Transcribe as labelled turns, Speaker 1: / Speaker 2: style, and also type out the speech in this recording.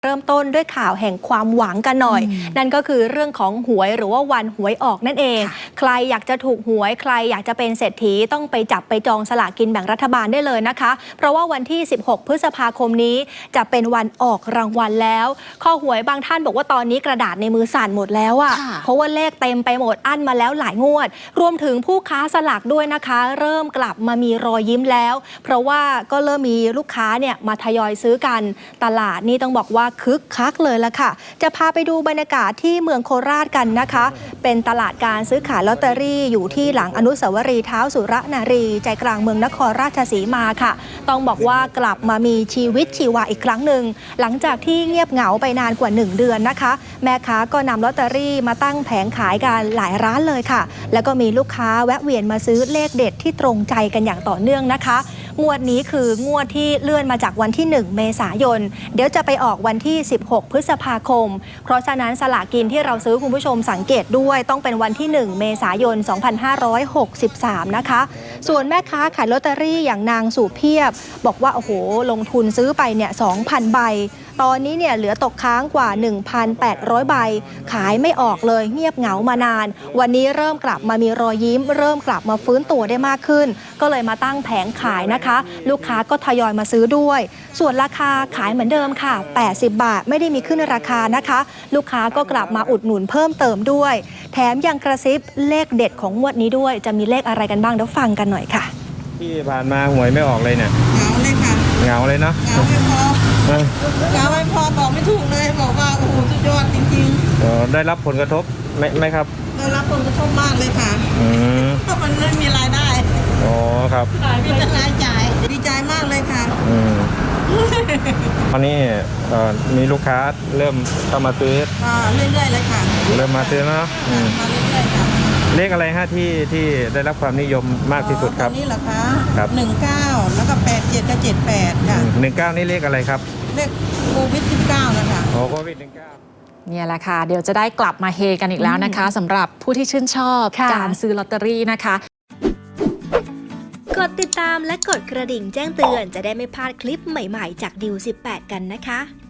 Speaker 1: เริ่มต้นด้วยข่าวแห่งความหวังกันหน่อยนั่นก็คือเรื่องของหวยหรือว่าวันหวยออกนั่นเองใครอยากจะถูกหวยใครอยากจะเป็นเศรษฐีต้องไปจับไปจองสลากกินแบ่งรัฐบาลได้เลยนะคะเพราะว่าวันที่16พฤษภาคมนี้จะเป็นวันออกรางวัลแล้วข้อหวยบางท่านบอกว่าตอนนี้กระดาษในมือสั่นหมดแล้วอะเพราะว่าเลขเต็มไปหมดอั้นมาแล้วหลายงวดรวมถึงผู้ค้าสลากด้วยนะคะเริ่มกลับมามีรอยยิ้มแล้วเพราะว่าก็เริ่มมีลูกค้าเนี่ยมาทยอยซื้อกันตลาดนี่ต้องบอกว่าคึกคักเลยละค่ะจะพาไปดูบรรยากาศที่เมืองโคราชกันนะคะเป็นตลาดการซื้อขายลอตเตอรี่อยู่ที่หลังอนุสาวรีย์เท้าสุรนารีใจกลางเมืองนครราชสีมาค่ะต้องบอกว่ากลับมามีชีวิตชีวาอีกครั้งหนึ่งหลังจากที่เงียบเหงาไปนานกว่า1 เดือนนะคะแม่ค้าก็นำลอตเตอรี่มาตั้งแผงขายกันหลายร้านเลยค่ะแล้วก็มีลูกค้าแวะเวียนมาซื้อเลขเด็ดที่ตรงใจกันอย่างต่อเนื่องนะคะงวดนี้คืองวดที่เลื่อนมาจากวันที่1 เมษายนเดี๋ยวจะไปออกวันที่16 พฤษภาคมเพราะฉะนั้นสลากกินที่เราซื้อคุณผู้ชมสังเกตด้วยต้องเป็นวันที่1 เมษายน 2563นะคะส่วนแม่ค้าขายลอตเตอรี่อย่างนางสุเพียบบอกว่าโอ้โหลงทุนซื้อไปเนี่ย 2,000 ใบตอนนี้เนี่ยเหลือตกค้างกว่า 1,800 ใบขายไม่ออกเลยเงียบเหงามานานวันนี้เริ่มกลับมามีรอยยิ้มเริ่มกลับมาฟื้นตัวได้มากขึ้นก็เลยมาตั้งแผงขายนะคะลูกค้าก็ทยอยมาซื้อด้วยส่วนราคาขายเหมือนเดิมค่ะ80 บาทไม่ได้มีขึ้นราคานะคะลูกค้าก็กลับมาอุดหนุนเพิ่มเติมด้วยแถมยังกระซิบเลขเด็ดของงวดนี้ด้วยจะมีเลขอะไรกันบ้างเดี๋ยวฟังกันหน่อยค่ะ
Speaker 2: ที่ผ่านมาหวยไม่ออกเลยเนี่ย
Speaker 3: เหงาเลยค่ะ
Speaker 2: เหงาเลยเนาะ
Speaker 3: เหงาไม่พอเหงาไม่พอบอกไม่ถูกเลยบอกว่าโอ้โหสุดยอดจริง
Speaker 2: ๆได้รับผลกระทบไหมครับ
Speaker 3: ได้รับผลกระทบมากเลยค่ะเพราะมันไม่มีรายได้
Speaker 2: อ๋อครับ
Speaker 3: มีแต่รายจ่ายดีใจมากเลยค่ะ
Speaker 2: ตอนนี้มีลูกค้าเริ่มเข้ามาซื้อ
Speaker 3: เรื่อยๆเลยค่ะ
Speaker 2: เริ่มมาซื้อเนาะ
Speaker 3: มาเรื่อยๆค่ะ
Speaker 2: เลขอะไรฮะที่ได้รับความนิยมมากที่สุดครับ
Speaker 3: นี่เหรอคะ
Speaker 2: ครับ
Speaker 3: 19แล้วก็87กับ78ค่ะ
Speaker 2: 19นี่เลขอะไรครับ
Speaker 3: เลขโควิด19นะคะ
Speaker 2: โควิด19
Speaker 4: เนี่ยแหละค่ะเดี๋ยวจะได้กลับมาเฮกันอีกแล้วนะคะสำหรับผู้ที่ชื่นชอบการซื้อลอตเตอรี่นะคะ
Speaker 1: กดติดตามและกดกระดิ่งแจ้งเตือนจะได้ไม่พลาดคลิปใหม่ๆจากดิว18กันนะคะ